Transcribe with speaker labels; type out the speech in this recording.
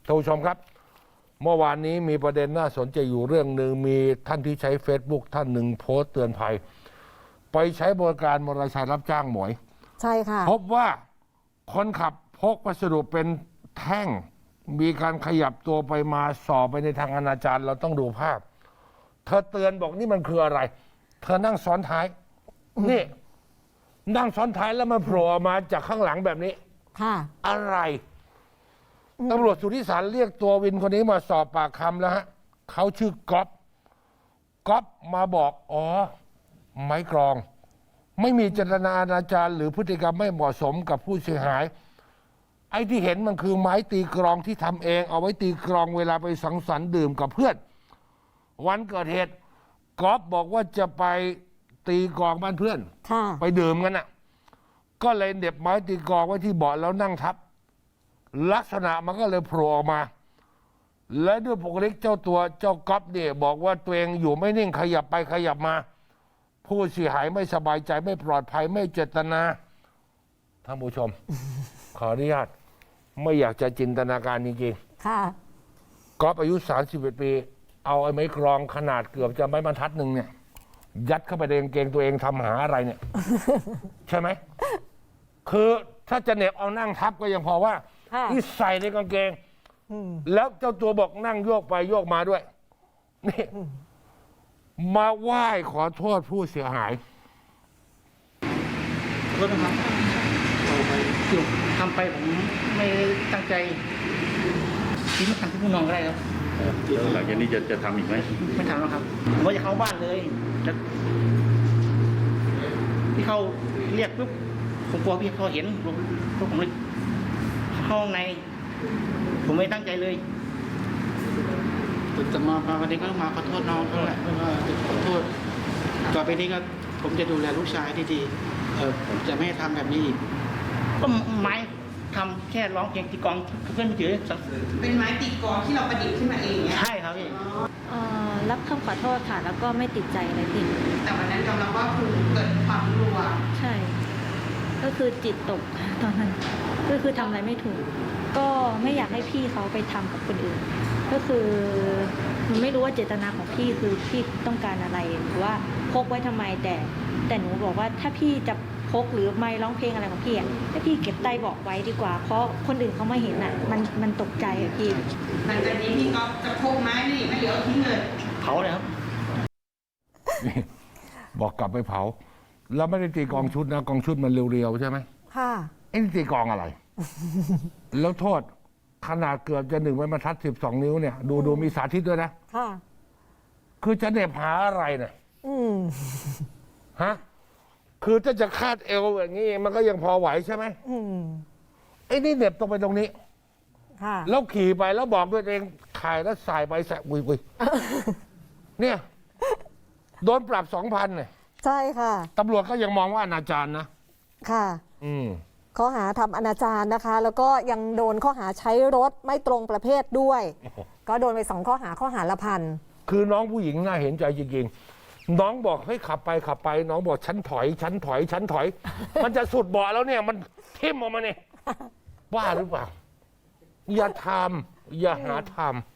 Speaker 1: ท่านผู้ชมครับเมื่อวานนี้มีประเด็นน่าสนใจอยู่เรื่องหนึ่งมีท่านที่ใช้ Facebook ท่านหนึ่งโพสต์เตือนภัยไปใช้บริการมอเตอร์ไซค์รับจ้างหมวย
Speaker 2: ใช่ค่ะ
Speaker 1: พบว่าคนขับพกวัสดุเป็นแท่งมีการขยับตัวไปมาส่อไปในทางอนาจารเราต้องดูภาพเธอเตือนบอกนี่มันคืออะไรเธอนั่งซ้อนท้ายนี่นั่งซ้อนท้ายแล้วมันโผล่ออกมาจากข้างหลังแบบนี้
Speaker 2: ค่ะ
Speaker 1: อะไรตำรวจสุทธิสารเรียกตัววินคนนี้มาสอบปากคำแล้วฮะเขาชื่อก๊อฟมาบอกอ๋อไม้กรองไม่มีเจตนาอนาจารหรือพฤติกรรมไม่เหมาะสมกับผู้เสียหายไอ้ที่เห็นมันคือไม้ตีกรองที่ทำเองเอาไว้ตีกรองเวลาไปสังสรรค์ดื่มกับเพื่อนวันเกิดเหตุก๊อฟบอกว่าจะไปตีกรองบ้านเพื่อนไปดื่มกันน่ะก็เลยเด็บไม้ตีกรองไว้ที่เบาะแล้วนั่งทับลักษณะมันก็เลยโผล่ออกมาและด้วยปกติเจ้าก๊อฟเนี่ยบอกว่าตัวเองอยู่ไม่นิ่งขยับไปขยับมาผู้เสียหายไม่สบายใจไม่ปลอดภัยไม่เจตนาท่านผู้ชม ขออนุญาตไม่อยากจะจินตนาการจริง
Speaker 2: ๆค่ะ
Speaker 1: ก๊อฟอายุ31ปีเอาไอ้ไม้กรองขนาดเกือบจะไม้บรรทัดหนึ่งเนี่ยยัดเข้าไปในกางเกงตัวเองทำหาอะไรเนี่ย ใช่ไหมคือถ้าจะเหน็บเอานั่งทับก็ยังพอว่าที่ใส่ในกางเกงแล้วเจ้าตัวบอกนั่งโยกไปโยกมาด้วยนี่มาไหว้ขอโทษผู้เสียหาย
Speaker 3: ขอโทษนะครับทำไปผมไม่ตั้งใจคิดไม่ทันที่ผู้น้องก็ได้ครับ
Speaker 4: หลังจากนี้จะทำอีกไหม
Speaker 3: ไม่ทำแล้วครับผมว่าจะเข้าบ้านเลยจะพี่เขาเรียกปุ๊บผมกลัวพี่เขาเห็นผมเลยเข้าในผมไม่ตั้งใจเลย
Speaker 5: แต่มาวันนี้ก็ต้องมาขอโทษน้องเขาแหละขอโทษต่อไปนี้ก็ผมจะดูแลลูกชายดีๆผมจะไม่ทำแบบนี้อีก
Speaker 3: ก็ไม้ทำแค่ร้องเพลงตีกลองเพื่อนเฉย
Speaker 6: เป็นไม้ตีกลองที่เราประดิษฐ์ขึ้นมาเองเนี่ย
Speaker 3: ใช่ครับพี่
Speaker 7: รับคำขอโทษค่ะแล้วก็ไม่ติดใจอะไรผิด
Speaker 6: แต่วันนั้นยอมรับว่าคือเกิดความกลัว
Speaker 7: ใช่ก็คือจิตตกตอนนั้นก็คือทำอะไรไม่ถูกก็ไม่อยากให้พี่เขาไปทำกับคนอื่นก็คือหนูไม่รู้ว่าเจตนาของพี่คือพี่ต้องการอะไรหรือว่าพกไว้ทำไมแต่หนูบอกว่าถ้าพี่จะพกหรือไม่ร้องเพลงอะไรของพี่อ่ะถ้าพี่เก็บใต้เบาะไว้ดีกว่าเพราะคนอื่นเขามาเห็นอ่ะมันตกใจอ่ะพี่
Speaker 6: หลังจากนี้พี่ก็จะพกไม้นี่ไม่เหลือทิ้งเลย
Speaker 3: เผาเลยครับ
Speaker 1: บอกกลับไปเผาแล้วไม่ได้ตีกองชุดนะกองชุดมันเรียวๆใช่ไหม
Speaker 2: ค่ะ
Speaker 1: ไอ้นี่ตีกองอะไร แล้วโทษขนาดเกือบจะ1 ไม้บรรทัด12 นิ้วเนี่ยดูมีสาธิตด้วยนะ
Speaker 2: ค่ะ
Speaker 1: คือจะเหน็บหาอะไรเนี่ยฮะคือถ้าจะคาดเอวอย่างนี้มันก็ยังพอไหวใช่ไหมไอ้นี่เหน็บตรงไปตรงนี้
Speaker 2: ค่ะ
Speaker 1: แล้วขี่ไปแล้วบอกด้วยเองถ่ายแล้วสายไปสายอุ้ยเนี่ยโดนปรับ 2,000เนี่ย
Speaker 2: ใช่ค่ะ
Speaker 1: ตำรวจก็ยังมองว่าอนาจารนะ
Speaker 2: ค่ะข้อหาทำอนาจารนะคะแล้วก็ยังโดนข้อหาใช้รถไม่ตรงประเภทด้วยก็โดนไป2 ข้อหาละ1,000
Speaker 1: คือน้องผู้หญิงน่าเห็นใจจริงๆน้องบอกให้ขับไปน้องบอกฉันถอยมันจะสุดเบาะแล้วเนี่ยมันทิ่มออกมาเนี่ยบ้าหรือเปล่าอย่าทำอย่าหาทำ